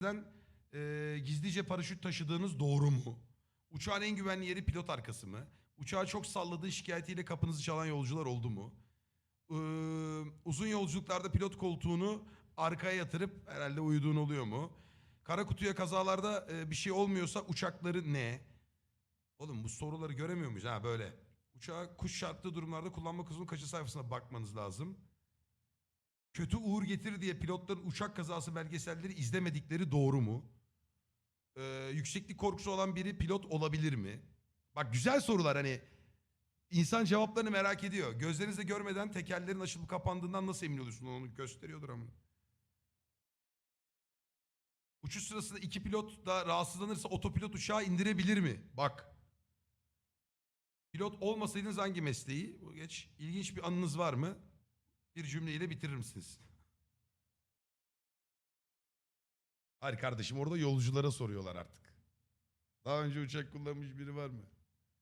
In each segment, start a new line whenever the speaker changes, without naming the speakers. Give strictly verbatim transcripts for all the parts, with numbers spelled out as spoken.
e, gizlice paraşüt taşıdığınız doğru mu? Uçağın en güvenli yeri pilot arkası mı? Uçağı çok salladığı şikayetiyle kapınızı çalan yolcular oldu mu? Ee, uzun yolculuklarda pilot koltuğunu arkaya yatırıp herhalde uyuduğun oluyor mu? Kara kutuya kazalarda e, bir şey olmuyorsa uçakları ne? Oğlum bu soruları göremiyor muyuz? Ha böyle. Uçağı kuş çarptığı durumlarda kullanma kılavuzunun kaçı sayfasına bakmanız lazım. Kötü uğur getirir diye pilotların uçak kazası belgeselleri izlemedikleri doğru mu? Ee, yükseklik korkusu olan biri pilot olabilir mi? Bak güzel sorular hani insan cevaplarını merak ediyor. Gözlerinizle görmeden tekerlerin açılıp kapandığından nasıl emin oluyorsun? Onu gösteriyordur ama. Uçuş sırasında iki pilot da rahatsızlanırsa otopilot uçağı indirebilir mi? Bak. Pilot olmasaydınız hangi mesleği? Bu geç. İlginç bir anınız var mı? Bir cümleyle bitirir misiniz? Hayır kardeşim orada yolculara soruyorlar artık. Daha önce uçak kullanmış biri var mı?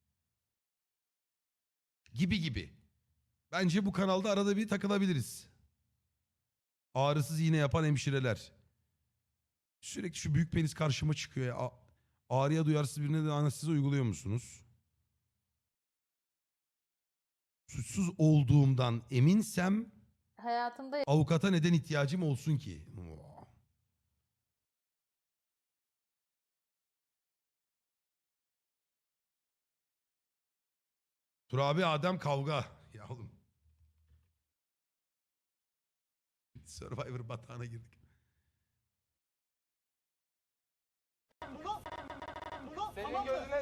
Gibi gibi. Bence bu kanalda arada bir takılabiliriz. Ağrısız iğne yapan hemşireler. Sürekli şu büyük penis karşıma çıkıyor ya. A- Ağrıya duyarsız birine de anestezi uyguluyor musunuz? Suçsuz olduğumdan eminsem
Hayatımda
avukata neden ihtiyacım olsun ki? Turabi Adem kavga. Ya oğlum. Survivor batağına girdik.
Senin gözüne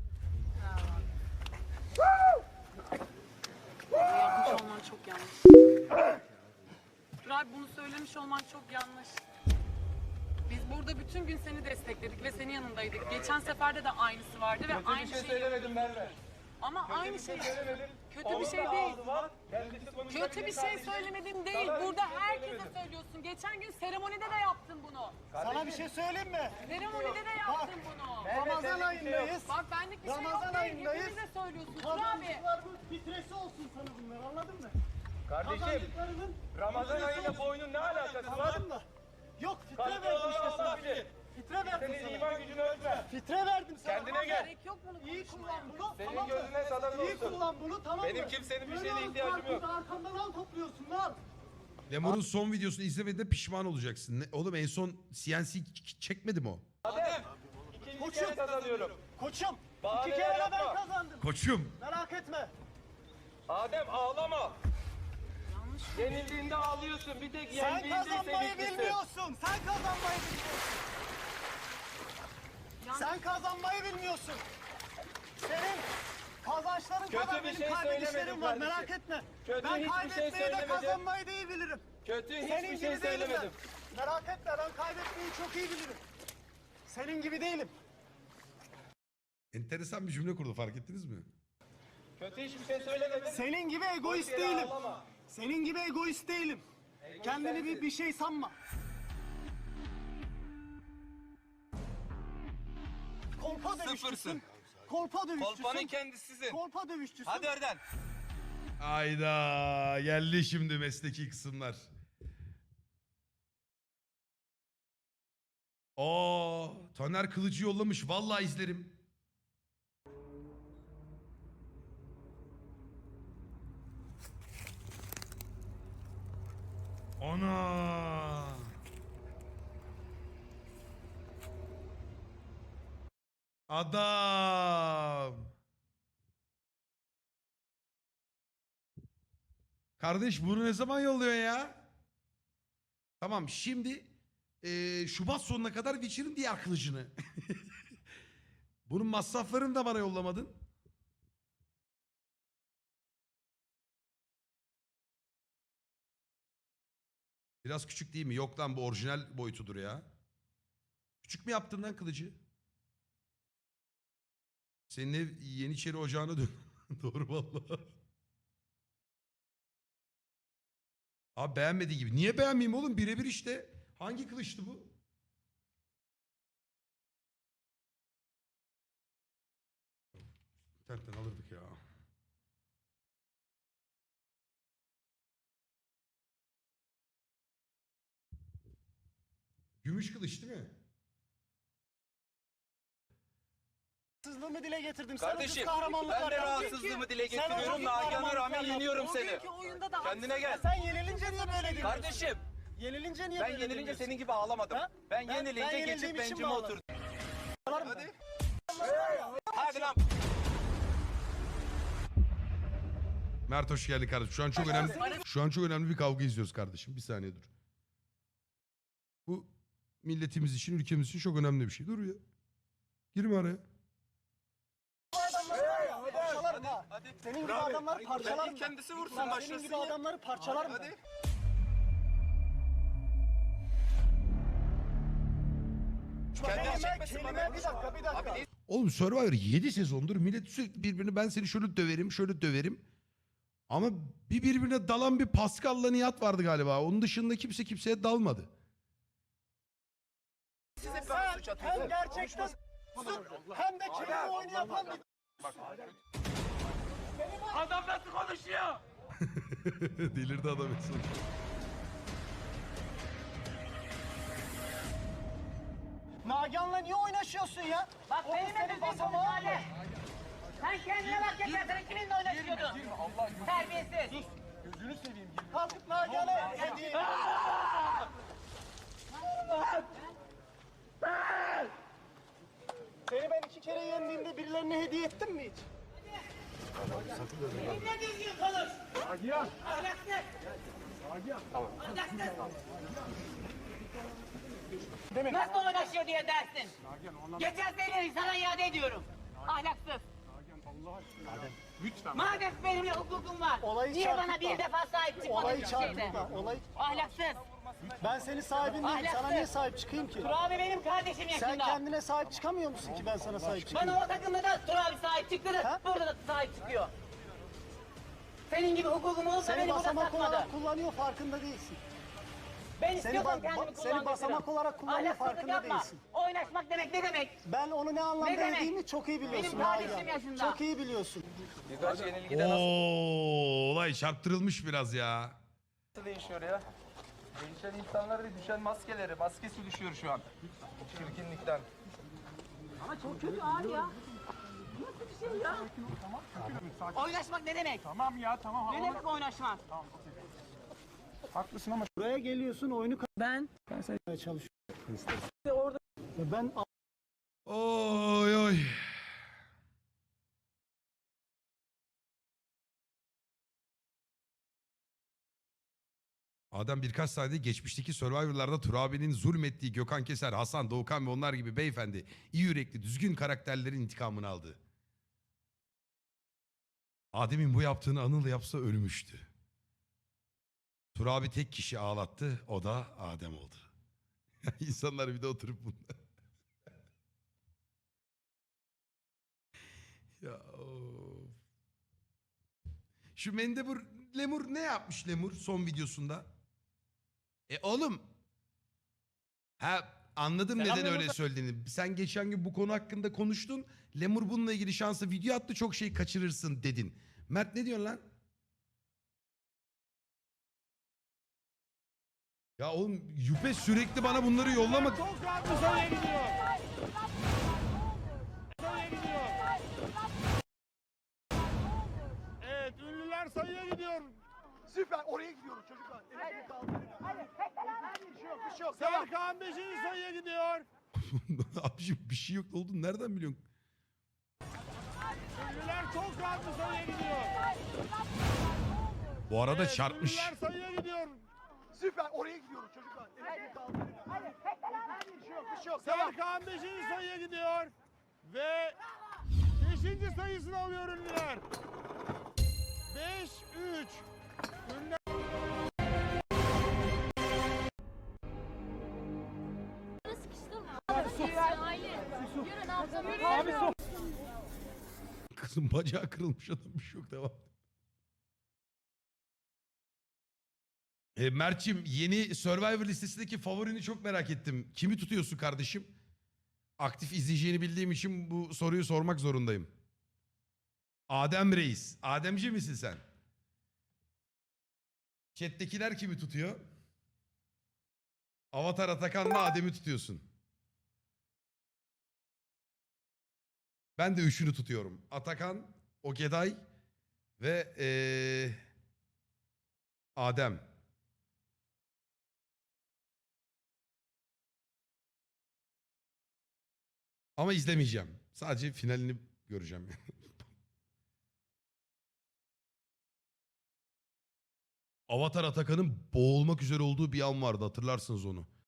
Yapmış olman çok yanlış. Turay bunu söylemiş olman çok yanlış. Biz burada bütün gün seni destekledik ve senin yanındaydık. Geçen seferde de aynısı vardı ve
kötü
aynı
bir şey
şeyi
söylemedim Merve.
Ama
Kötü
aynı
bir şey
şey
söylemedim.
kötü bir
Onun
şey
da
değil.
ağzı var. Kendisi konuşabilir
Kötü bir şey
kardeşim.
söylemedim değil.
Sana
Burada
hiçbir şey
herkese
söylemedim.
söylüyorsun. Geçen gün seremonide de yaptın bunu.
Sana bir şey söyleyeyim mi?
Seremonide de yaptın bunu.
Ramazan ayındayız.
Bak benlik bir şey yok
Ramazan
değil.
ayındayız.
Hepimize söylüyorsun Turay abi.
Kazançlarımız fitresi olsun sana bunlar, anladın mı?
Kardeşim,
Kazançlarının
Ramazan
fitresi
ayıyla
olsun.
bu oyunun ne alakası var?
Anladın mı? Yok, fitre
Kalbi
verdim
olan
işte
Allah
sana.
bilir.
Fitre verdim
Senin
sana.
iman gücünü ölçme.
Fitre verdim sana.
Kendine gel.
Gerek yok bunu
İyi
konuşmaya.
kullan bunu,
Senin
tamam mı?
gözüne sadan
İyi
olsun.
kullan bunu, tamam mı?
Benim kimsenin bir
Böyle
şeyine
alıp
ihtiyacım yok.
karpuzda arkamdan al topluyorsun lan.
Lemur'un son videosunu izlemediğinde pişman olacaksın. Ne- Oğlum en son C N C ç- çekmedi mi o?
Adem, ikinci
Koçum.
kere kazanıyorum.
Koçum,
Bahaneler
iki kere de ben
yapma.
kazandım.
Koçum.
Merak etme.
Adem ağlama.
Yanlış.
Yenildiğinde ağlıyorsun. Bir tek
Sen
yendiğinde
kazanmayı
sevinçlisin.
bilmiyorsun. Sen kazanmayı bilmiyorsun.
Yanlış.
Sen kazanmayı bilmiyorsun. Senin kazançların
Kötü
kadar
bir
benim
şey
kaybedişlerim
söylemedim
var,
kardeşim.
merak etme.
Kötü
ben
hiçbir şey
kaybetmeyi de
söylemedim.
kazanmayı da iyi bilirim.
Kötü
Senin
hiçbir
gibi
şey
değilim ben.
söylemedim.
Merak etme, ben kaybetmeyi çok iyi bilirim. Senin gibi değilim.
Enteresan bir cümle kurdu fark ettiniz mi?
Kötü hiçbir şey söylemedim.
Senin gibi egoist
Boş yere
değilim.
ağlama.
Senin gibi egoist değilim. Kendini bir, bir şey sanma. Kolpa dövüşçüsün.
Sıfırsın.
Kolpa dövüşçüsün.
Kolpanın kendisisin.
Kolpa dövüşçüsün.
Hadi oradan.
Ayda geldi şimdi mesleki kısımlar. Aa, Taner Kılıcı yollamış. Vallahi izlerim. Ana. Adam. Kardeş bunu ne zaman yolluyor ya? Tamam şimdi eee, Şubat sonuna kadar Witcher'ın diğer kılıcını. Bunun masraflarını da bana yollamadın. Biraz küçük değil mi? Yok lan bu orijinal boyutudur ya. Küçük mü yaptın lan kılıcı? Senin ev Yeniçeri ocağına dön. Doğru vallahi. Abi beğenmediği gibi. Niye beğenmeyeyim oğlum? Birebir işte. Hangi kılıçtı bu? İnternetten alırdık ya. Gümüş kılıç değil mi?
Rahatsızlığımı dile getirdim.
Kardeşim
sen o kız kahramanlıklar
ben de
yaptın.
rahatsızlığımı dile
Sen o
getiriyorum.
kız
Nagihan'a
kahramanlıklar
rağmen
yaptın.
yeniyorum seni.
Bugünkü oyunda da
Kendine gel.
Sen yenilince niye böyle diyorsun?
Kardeşim
Yenilince niye
ben
böyle
yenilince
diyorsun?
senin gibi ağlamadım.
Ha?
Ben
Ben-
yenilince
ben yenildiğim
geçip
için
bencime
mi ağladın?
oturdum.
Hadi.
Hadi lan.
Mert hoş geldin kardeşim. Şu an çok önemli. Şu an çok önemli bir kavga izliyoruz kardeşim. Bir saniye dur. Bu milletimiz için, ülkemiz için çok önemli bir şey. Dur ya. Girme araya.
Parçalarım ha. Senin gibi adamları parçalarım.
Kendisi vursun
Senin
başlasın
gibi
ya.
adamları parçalarım.
Hadi. Kendini
Kelime,
çekmesin
kelime,
bana.
bir dakika, bir dakika.
Abi,
Oğlum Survivor yedi sezondur millet sürekli birbirini ben seni şöyle döverim, şöyle döverim. Ama bir birbirine dalan bir Pascal'la Nihat vardı galiba. Onun dışında kimse kimseye dalmadı.
siz hep bana suç
Hem
atıyorsunuz.
gerçekten hem de kelime oyunu yapan bir...
Adam nasıl konuşuyor?
Delirdi adam en son.
Nagihan'la niye oynaşıyorsun ya?
Bak
O kız
benimle
senin
düzgün
basamağın
konuş
mı?
hadi. Sen kendine bak yeter. Sen kiminle oynaşıyordun? Terbiyesiz.
Kalkıp Nagihan'a hediye... Seni ben iki kere yendiğimde birilerine hediye ettim mi hiç?
Benimle düzgün konuş. Ahlaksız. Ahlaksız. Nasıl oynaşıyor diye dersin. Geçen seneyi sana iade ediyorum. Ahlaksız. Madem benimle hukukun var.
Olayı
niye bana
çarpıtma.
bir defa sahip çıkmadın
Olayı
bir şeyde?
çarpıtma. Olayı...
Ahlaksız.
Ben senin sahibin değilim. Sana niye sahip çıkayım ki?
Turabi benim kardeşim
Sen
yaşında.
kendine sahip çıkamıyor musun ki ben sana sahip çıkayım?
Bana o takımda da Turabi sahip çıktı da
Ha?
burada da sahip çıkıyor. Senin gibi hukukum olsa
Seni
beni burada
basamak
satmadı.
olarak kullanıyor farkında değilsin.
Ben
Seni
istiyorsam
ba-
kendimi
ba- seni
kullandırırım.
basamak olarak kullanıyor,
Ahlaksızlık
farkında
yapma.
değilsin.
Oynaşmak demek ne demek?
Ben onu ne anlamda
Ne demek?
yediğimi çok iyi biliyorsun.
Benim kardeşim
Nagihan.
yaşında.
Çok iyi biliyorsun.
Birkaç yenilgide nasıl
Oo, olay çarptırılmış biraz ya.
değişiyor ya? Değişen insanlar değil, düşen maskeleri. Maskesi düşüyor şu an. Çirkinlikten.
Ama çok kötü abi ya. Nasıl bir şey ya? Oynaşmak ne demek?
Tamam ya tamam.
Ne demek oynaşmak?
Haklısın ama buraya geliyorsun oyunu
Ben
kazanmaya çalışıyorsun. Orada ben
Oy oy. Adam birkaç saniyede geçmişteki Survivor'larda Turabi'nin zulmettiği Gökhan Keser, Hasan, Doğukan ve onlar gibi beyefendi, iyi yürekli, düzgün karakterlerin intikamını aldı. Adem'in bu yaptığını Anıl yapsa ölmüştü. Turabi tek kişi ağlattı, o da Adem oldu. İnsanlar bir de oturup bunlar. Ya of. Şu Mendebur Lemur ne yapmış Lemur son videosunda? E oğlum. Ha anladım neden öyle söylediğini. Sen geçen gün bu konu hakkında konuştun. Lemur bununla ilgili şansa video attı, çok şey kaçırırsın dedin. Mert ne diyorsun lan? Ya oğlum Yüpe sürekli bana bunları yollama.
Çok rahat bu sayıya gidiyor. Sayıya gidiyor. Evet, ünlüler sayıya gidiyor.
süper oraya gidiyoruz çocuklar. Elini kaldır. Bir şey yok, bir şey yok.
Serkan beşinci sayıya gidiyor.
Abiciğim bir şey yok oldun nereden biliyorsun?
Ünlüler çok rahat bu sayıya gidiyor.
Bu arada
Evet,
çarpmış.
Ünlüler sayıya gidiyor.
Süper oraya gidiyoruz çocuklar. Elini kaldır. Bir şey yok, bir şey yok.
Serkan beşinci sayıya gidiyor. Ve beşinci sayısını alıyor ünlüler. beş üç. Ünlüler...
Kızın bacağı kırılmış adam bir şey yok devam. E, Mert'cim yeni Survivor listesindeki favorini çok merak ettim. Kimi tutuyorsun kardeşim? Aktif izleyeceğini bildiğim için bu soruyu sormak zorundayım. Adem Reis. Ademci misin sen? Chat'tekiler kimi tutuyor? Avatar Atakan'la Adem'i tutuyorsun. Ben de üçünü tutuyorum. Atakan, Ogeday ve ee, Adem. Ama izlemeyeceğim. Sadece finalini göreceğim. Avatar Atakan'ın boğulmak üzere olduğu bir an vardı. Hatırlarsınız onu.